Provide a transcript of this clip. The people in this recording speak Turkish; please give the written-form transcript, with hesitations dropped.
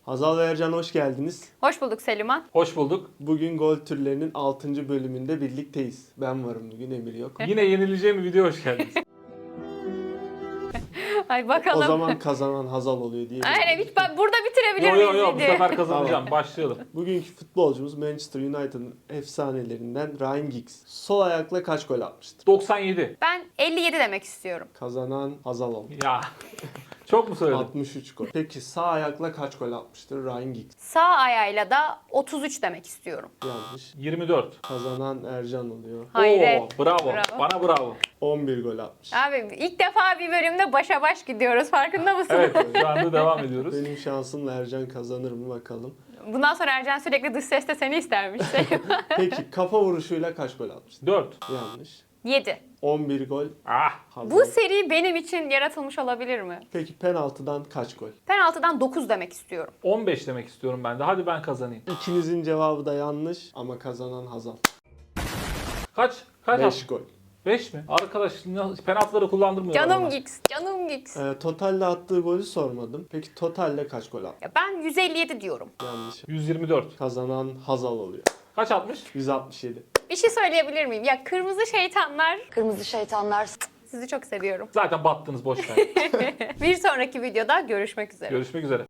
Hazal ve Ercan hoş geldiniz. Hoş bulduk Seliman. Hoş bulduk. Bugün gol türlerinin 6. bölümünde birlikteyiz. Ben varım bugün, Emir yok. Yine yenileceğim bir video hoş geldiniz. Ay bakalım. O zaman kazanan Hazal oluyor diye. Aynen hiç burada bitirebilir Yo miyiz yo yo bu videoyu? sefer kazanacağım. Başlayalım. Bugünkü futbolcumuz Manchester United'ın efsanelerinden Ryan Giggs. Sol ayakla kaç gol atmıştır? 97. Ben 57 demek istiyorum. Kazanan Hazal oldu. Ya. Çok mu söyledim? 63 gol. Peki sağ ayakla kaç gol atmıştır Ryan Giggs? Sağ ayağıyla da 33 demek istiyorum. Yanlış. 24. Kazanan Ercan oluyor. Hayret. Oo, bravo. Bravo. Bana bravo. 11 gol atmış. Abi ilk defa bir bölümde başa baş gidiyoruz. Farkında mısın? Evet şu anda devam ediyoruz. Benim şansımla Ercan kazanır mı bakalım. Bundan sonra Ercan sürekli dış seste seni istermiş Seliman. Peki kafa vuruşuyla kaç gol atmıştır? 4. Yanlış. 7. 11 gol. Ah. Hazal. Bu seri benim için yaratılmış olabilir mi? Peki penaltıdan kaç gol? Penaltıdan 9 demek istiyorum. 15 demek istiyorum ben de. Hadi ben kazanayım. İkinizin cevabı da yanlış ama kazanan Hazal. Kaç? Kaç 5 gol. 5 mi? Arkadaş penaltıları kullandırmıyor. Canım Giggs, canım Giggs. Totalde attığı golü sormadım. Peki totalde kaç gol attı? Ya ben 157 diyorum. Yanlış. 124. Kazanan Hazal oluyor. Kaç atmış? 167. Bir şey söyleyebilir miyim? Ya kırmızı şeytanlar, Kırmızı şeytanlar. sizi çok seviyorum. Zaten battınız boş ver. Bir sonraki videoda görüşmek üzere. Görüşmek üzere.